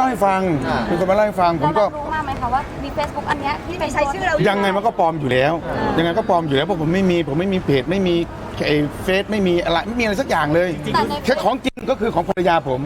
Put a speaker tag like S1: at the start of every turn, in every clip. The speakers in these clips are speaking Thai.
S1: ให้ฟังมีคนมาเล่าให้ฟังผมก็
S2: รู้มาไหมคะว่ามี Facebook อันเนี้ยที่ไปใช้ชื่อเรา
S1: ยังไงมันก็ปลอมอยู่แล้วยังไงก็ปลอมอยู่แล้วเพราะผมไม่มีเพจไม่มีไอ้เฟซไม่มีอะไรสักอย่างเลยแค่ของจริงก็คือของภรรยาผม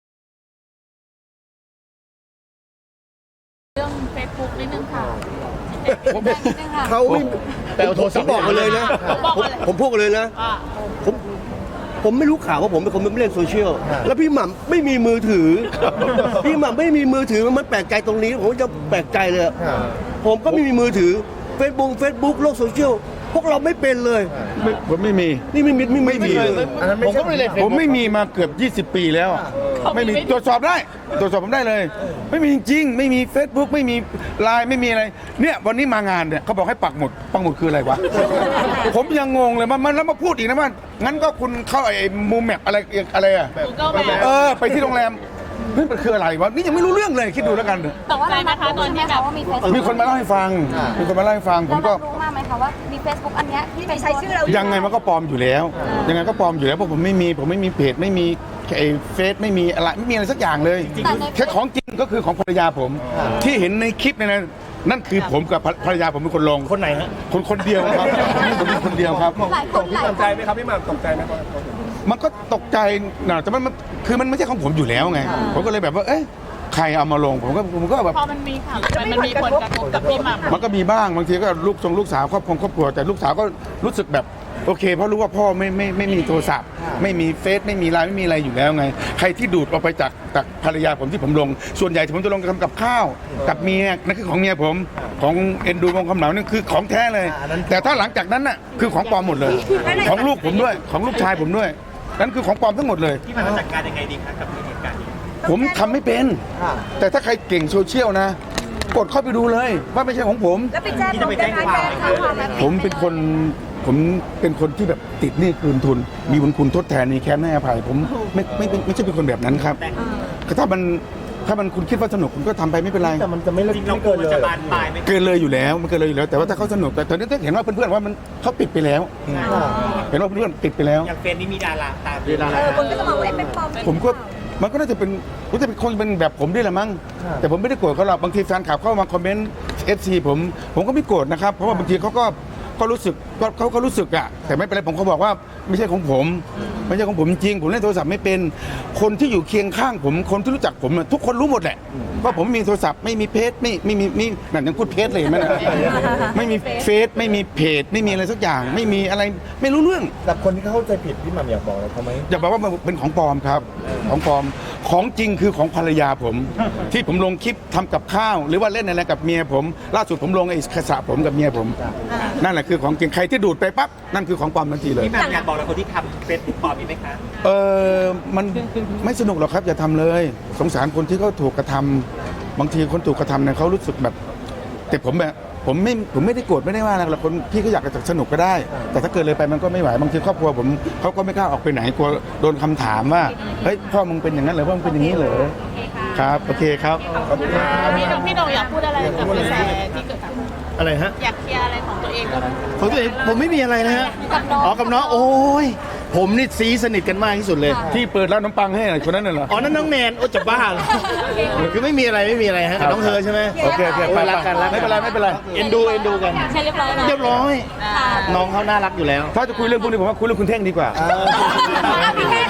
S2: เรื่อง Facebook นิดนึงค่ะ
S3: เขาแต่โทรศัพท์บอกมาเลยนะผมพูดกันเลยนะผมไม่รู้ข่าวว่าผมเป็นคนไม่เล่นโซเชียลแล้วพี่หม่ำไม่มีมือถือพี่หม่ำไม่มีมือถือมันแปลกใจตรงนี้ผมจะแปลกใจเลยผมก็ไม่มีมือถือเฟซบุ๊กโลกโซเชียลพวกเราไม่เป็นเลย
S1: ผมไม่มี
S3: นี่ไม่มีเลย
S1: ผมก็ไม่เล่นผมไม่มีมาเกือบ20 ปีแล้วไม่มีตรวจสอบได้ตรวจสอบผมได้เลยไม่มีจริงไม่มี Facebook ไม่มีไลน์ไม่มีอะไรเนี่ยวันนี้มางานเนี่ยเขาบอกให้ปักหมุดคืออะไรวะผมยังงงเลยมันแล้วมาพูดอีกนะว่างั้นก็คุณเข้าไอ้มูแมปอะไรอะไปที่โรงแรมมันคืออะไรวะนี่ยังไม่รู้เรื่องเลยคิดดูแล้วกัน
S2: แต่ว่าอะไรนะคะตอนที่แบบว่า
S1: มีคนมาเล่าให้ฟังผมก็
S2: รู้มาไหมคะว่ามี Facebook อันเนี้ยที่ไปใช้ชื่อเรา
S1: ยังไงมันก็ปลอมอยู่แล้วยังไงก็ปลอมอยู่แล้วเพราะผมไม่มีเพจไม่มีไอ้เฟซไม่มีอะไรสักอย่างเลยแค่ของจริงก็คือของภรรยาผมที่เห็นในคลิปเนี่ยนะนั่นคือผมกับภรรยาผมเป็นคนลง
S3: คนไหนฮะ
S1: คนเดียวครับผมเป็นคนเดียวครับ
S3: ตกใจไหมครับพี่หม่ำตกใจไหม
S1: มันก็ตกใจนะแต่มันคือมันไม่ใช่ของผมอยู่แล้วไงผมก็เลยแบบว่าเอ๊ะใครเอามาลงผมก็แบบ
S2: พอมันมีข่าวมันมีผลกระทบกับพี่หม่ำ
S1: มันก็มีบ้างบางทีก็ลูกสาวครอบครัวแต่ลูกสาวก็รู้สึกแบบโอเคเพราะรู้ว่าพ่อไม่มีโทรศัพท์ไม่มีเฟซไม่มีไลน์ไม่มีอะไรอยู่แล้วไงใครที่ดูดออกไปจากภรรยาผมที่ผมลงส่วนใหญ่ที่ผมจะลงทำกับข้าวกับเมียนั่นคือของเมียผมของเอ็นดูวงคำเหลานั่นคือของแท้เลยแต่ถ้าหลังจากนั้นน่ะคือของปลอมหมดเลยของลูกผมด้วยของลูกชายผมด้วยนั่นคือของปลอมทั้งหมดเลย
S4: ที่มันจัดการยังไงดีครับกับเหตุการณ์นี้
S1: ผมทำไม่เป็นแต่ถ้าใครเก่งโซเชียลนะกดเข้าไปดูเลยว่าไม่ใช่ของผม
S2: แล้วไปแจ้งความ
S1: ผมเป็นคนที่แบบติดหนี้คืนทุนมีบุญคุณทดแทนมีแค้นให้อภัยผมไม่ใช่เป็นคนแบบนั้นครับถ้ามันคุณคิดว่าสนุกคุณก็ทำไปไม่เป็นไร
S3: แต่มันจะไม่เกินเลย
S1: เกินเลยอยู่แล้วมันเกินเลยอยู่แล้วแต่ว่าถ้าเขาสนุกแต่ตอนนี้เห็นว่าเพื่อนๆว่ามันเขาปิดไปแล้วเห็นว่าเพื่อนๆปิดไปแล้ว
S4: อย่างเฟนนี่มีดาราตาม
S2: คนก็จะมองว่าเป็นปลอม
S1: ผมก็มันก็น่าจะเป็นคงเป็นแบบผมด้วยละมั้งแต่ผมไม่ได้โกรธเขาหรอกบางทีแฟนคลับเข้ามาคอมเมนต์ FC ผมก็ไม่โกรธนะครับเพราะว่าบางทีเขารู้สึกเขาก็รู้สึกอะแต่ไม่เป็นไรผมเขาบอกว่าไม่ใช่ของผมไม่ใช่ของผมจริงผมเล่นโทรศัพท์ไม่เป็นคนที่อยู่เคียงข้างผมคนที่รู้จักผมทุกคนรู้หมดแหละว่าผมมีโทรศัพท์ไม่มีเพจไม่มีนั่นยังพูดเพจเลยไหมนะไม่มีเฟซไม่มีเพจไม่มีอะไรสักอย่างไม่มีอะไรไม่รู้เรื่อง
S3: แต่คนที่เข้าใจผิดพี่หม่ำอยากบอกอะไรเขาไหม
S1: อยากบอกว่ามันเป็นของปลอมครับของปลอมของจริงคือของภรรยาผมที่ผมลงคลิปทำกับข้าวหรือว่าเล่นอะไรกับเมียผมล่าสุดผมลงไอ้กระสะผมกับเมียผมนั่นแหละคือของจริงใครที่ดูดไปปั๊บนั่นคือของปลอมทันทีเลย
S4: พี่หม่ำอยากบอกอะไรคนที่ทำเฟซบุ๊กปลอมมีไหมคะ
S1: มันไม่สนุกหรอกครับอย่าทำเลยสงสารคนที่เขาถูกกระทำบางทีคนถูกกระทำเนี่ยเขารู้สึกแบบแต่ผมไม่ได้โกรธไม่ได้ว่าอะไรหรอกคนพี่ก็อยากจะสนุกก็ได้แต่ถ้าเกิดเลยไปมันก็ไม่ไหวบางทีครอบครัวผมเขาก็ไม่กล้าออกไปไหนกลัวโดนคำถามว่าเฮ้ยพ่อมึงเป็นอย่างนั้นเหรอพ่อมึงเป็นอย่างนี้เหรอครับโอเคครับ
S2: พี่โดอยากพูดอะไรกับกระแสที่เกิดขึ้น
S3: อะไรฮะ
S2: อยากเคลียร์อะไรของตัวเองก็
S3: ของตัวเองผมไม่มีอะไรนะฮะกับน้องโอ้ยผมนี่ซีสนิทกันมากที่สุดเลย
S1: ที่เปิดร้านน้ำปังให้คนนั้นเหรอ
S3: อ๋อนั่นน้องแนนโอ้จะบ้าคือไม่มีอะไรฮะน้องเธอใช่ไหม
S1: โอเคไปรักกันไม่เป็นไร
S3: เอ็นดูกัน
S2: ใช่เรียบร้อย
S3: น้องเขาน่ารักอยู่แล้ว
S1: ถ้าจะคุยเรื่องพวกนี้ผมว่าคุยเรื่องคุณเท่งดีกว่า
S2: พี่เท่ง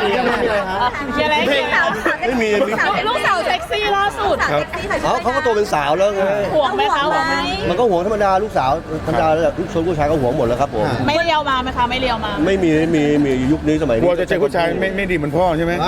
S3: ไม่มี
S2: ลูกสาวเซ็กซี่ล่าสุด
S3: เขาก็โตเป็นสาวแล้วไง
S2: ห่วงไหมคะ
S3: มันก็ห่วงธรรมดาลูกสาวธรรมดาแล้วลูกชนผู้ชายก็ห่วงหมดแล้วครับผม
S2: ไม่เลี้ยวมาไหมคะไม่เลี้ยวมา
S3: ไม่มียุคนี้สมัยนี้
S1: กลัวจะเจอผู้ชายไม่ดีเหมือนพ่อใช่ไหม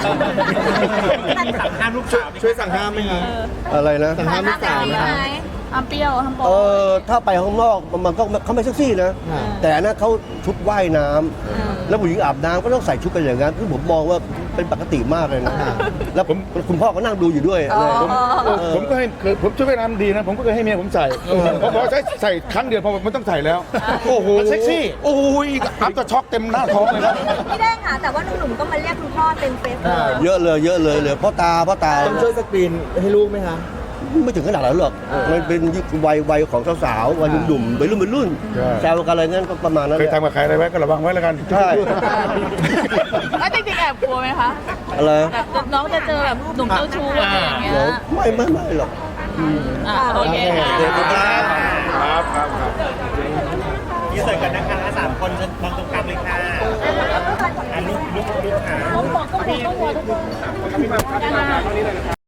S4: ห้ามลูกสาว
S3: ช่วยสั่งห้ามไหมครับอะไรนะ
S2: สั่งห้ามลูกสาวไหมห้ามเปรี้ยวห้ามโป๊
S3: ถ้าไปข้างนอกมันก็เขาไม่เซ็กซี่นะแต่อันนั้นเขาชุดว่ายน้ำแล้วผู้หญิงอาบน้ำก็ต้องใส่ชุดกันอย่างนั้นคือผมมองว่าเป็นปกติมากเลยนะแล้วคุณพ่อก็นั่งดูอยู่ด้วย
S1: ผมก็ให้ผมช่วยน้ำดีนะผมก็เคยให้เมียผมใส่พอใส่ครั้งเดียวพอมันต้องใส่แล้วโอ้โห
S3: เซ็กซี่
S1: โอ้ยอัพจะช็อกเต็มหน้าท้องเลยครับ
S2: พี่แดงค่ะแต่ว่าหนุ่มๆก็มาเรียกคุณพ่อเต็มเฟซ
S3: เยอะเลยพ่อตา
S5: ต้องช่วยสกรีนให้ลูกไหมคะ
S3: ไม่ถึงขนาดนั้นหรอกมันเป็นวัยของสาวๆวัยหนุ่มๆวัยรุ่นแซวกันอะไรงั้นก็ประมาณนั้น
S1: เคยทำกับใครอะไรไว้ก็ระวังไว้แล้วกัน
S3: ใช่
S2: แล้วจริงๆแอบกลัวไหมคะ
S3: อะไร
S2: แบบน้องจะเจอแบบหนุ่มเจ้าชู้อะไรอย่างเงี้ย
S3: เดี๋ยวไม่หรอก
S2: โอเคค่ะ
S3: เดี๋ยวครับ
S1: ครับครับ
S4: ยืนเสิร์ฟกันนะคะ3 คนมองตรงกลางเลยค่ะลุกค่ะ
S2: ต้องบอกทุกคน